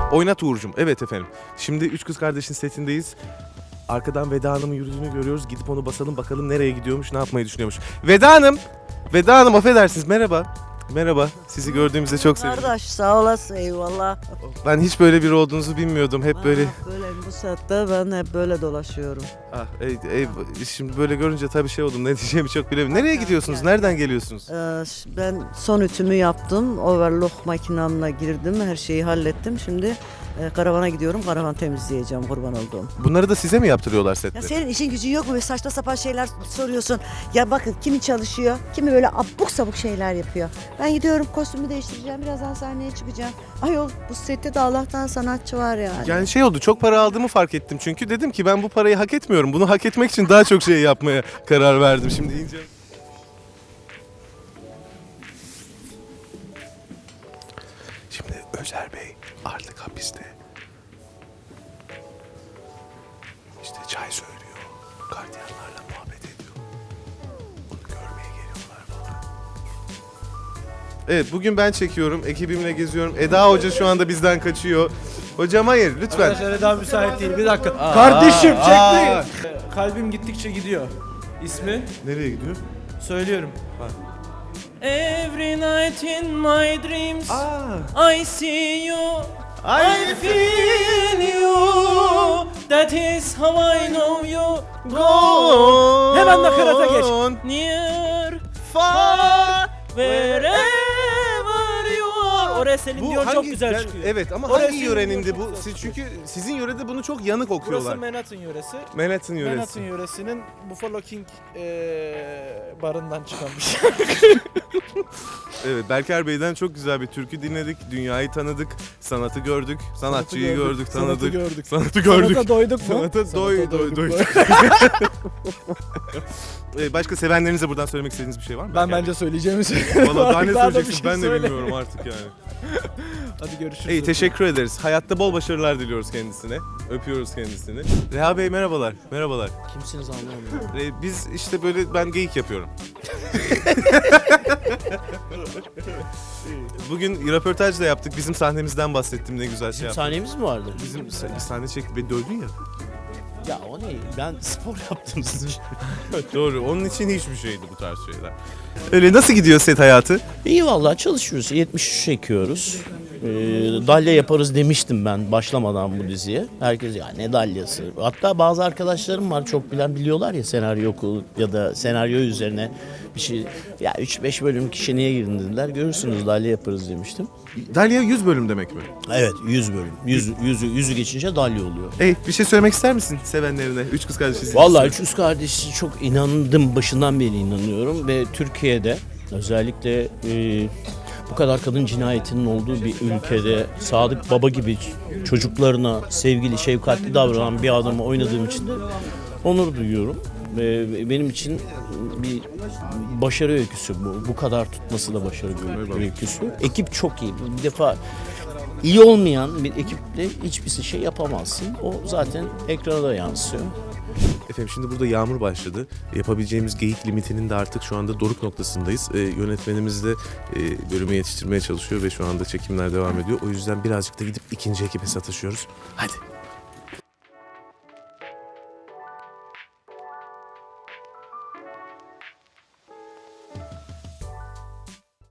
Oynat Uğur'cum. Evet efendim. Şimdi Üç Kız Kardeş'in setindeyiz. Arkadan Veda Hanım'ın yürüdüğünü görüyoruz. Gidip onu basalım bakalım nereye gidiyormuş, ne yapmayı düşünüyormuş. Veda Hanım! Veda Hanım affedersiniz. Merhaba. Merhaba. Sizi gördüğümüzde çok sevindim. Kardeş sağ olasın, eyvallah. Ben hiç böyle biri olduğunuzu bilmiyordum. Hep böyle... Böyle bu saatte ben hep böyle dolaşıyorum. Ah, şimdi böyle görünce tabii şey oldum. Ne diyeceğimi çok bilemiyorum. Nereye gidiyorsunuz? Nereden geliyorsunuz? Ben son ütümü yaptım. Overlock makinamla girdim. Her şeyi hallettim. Şimdi karavana gidiyorum. Karavan temizleyeceğim, kurban olduğum. Bunları da size mi yaptırıyorlar sette? Ya senin işin gücün yok mu? Ve saçma sapan şeyler soruyorsun. Ya bakın kimi çalışıyor, kimi böyle abuk sabuk şeyler yapıyor. Ben gidiyorum, kostümü değiştireceğim. Birazdan sahneye çıkacağım. Ayol bu sette de Allah'tan sanatçı var yani. Yani şey oldu, çok para aldığımı fark ettim çünkü dedim ki ben bu parayı hak etmiyorum. Bunu hak etmek için daha çok şey yapmaya karar verdim. Şimdi ince... Şimdi Özer Bey artık hapiste. İşte çay söylüyor, gardiyanlarla muhabbet ediyor. Onu görmeye geliyorlar falan. Evet, bugün ben çekiyorum, ekibimle geziyorum. Eda Hoca şu anda bizden kaçıyor. Hocam hayır, lütfen. Arkadaşlar Eda müsait değil. Bir dakika. Kardeşim çekmeyin. Kalbim gittikçe gidiyor. İsmi Nereye gidiyor? söylüyorum. Every night in my dreams I see you, I feel you. That is how I know you. Go. Hemen nakarata geç. Near, far, wherever you are. Oraya Selin Dion çok güzel çıkıyor. Evet ama Orası hangi yörenindi çok bu? güzel Çünkü sizin yörede bunu çok yanık Burası okuyorlar. Manhattan yöresi. Manhattan yöresi. Manhattan yöresinin Buffalo King barından çıkan bir şey. Evet, Berker Bey'den çok güzel bir türkü dinledik. Dünyayı tanıdık, sanatı gördük, sanatçıyı gördük, tanıdık. Sanatı gördük. Sanatı gördük. Sanata doyduk mu? Sanata doyduk. Başka sevenlerinize buradan söylemek istediğiniz bir şey var mı? Ben bence söyleyeceğimi söyleyeyim. Valla daha ne Daha da bir söyleyeceksin şey ben de söyle. bilmiyorum artık yani. Hadi görüşürüz. İyi, teşekkür ederiz. Hayatta bol başarılar diliyoruz kendisine. Öpüyoruz kendisini. Reha Bey merhabalar. Merhabalar. Kimsiniz anlamıyorum. Biz işte böyle ben geyik yapıyorum. Bugün röportaj da yaptık. Bizim sahnemizden bahsettim, ne güzel şey yaptık. Sahnemiz mi vardı? Bizim bir sahne çekip beni dövdün ya. Ya o ne? Ben spor yaptım sizin için. Doğru. Onun için hiçbir şeydi bu tarz şeyler. Öyle nasıl gidiyor set hayatı? İyi vallahi çalışıyoruz. 73 çekiyoruz. Dalya yaparız demiştim ben başlamadan bu diziye. Herkes ya ne dalyası. Hatta bazı arkadaşlarım var çok bilen biliyorlar ya senaryo okulu ya da senaryo üzerine bir şey. Ya 3-5 bölüm kişi niye girdin dediler. Görürsünüz dalya yaparız demiştim. Dalya 100 bölüm demek mi? Evet 100 bölüm. 100'ü geçince dalya oluyor. Bir şey söylemek ister misin sevenlerine? Üç Kız Kardeşiz. Vallahi Üç Kız Kardeşi çok inandım. Başından beri inanıyorum ve Türkiye'de özellikle bu kadar kadın cinayetinin olduğu bir ülkede Sadık Baba gibi çocuklarına sevgili, şefkatli davranan bir adamı oynadığım için de onur duyuyorum. Ve benim için bir başarı öyküsü bu. Bu kadar tutması da başarı öyküsü. Ekip çok iyi. Bir defa iyi olmayan bir ekiple hiçbir şey yapamazsın. O zaten ekrana da yansıyor. Efendim şimdi burada yağmur başladı. Yapabileceğimiz geyik limitinin de artık şu anda doruk noktasındayız. Yönetmenimiz de bölümü yetiştirmeye çalışıyor ve şu anda çekimler devam ediyor. O yüzden birazcık da gidip ikinci ekibe sataşıyoruz. Hadi.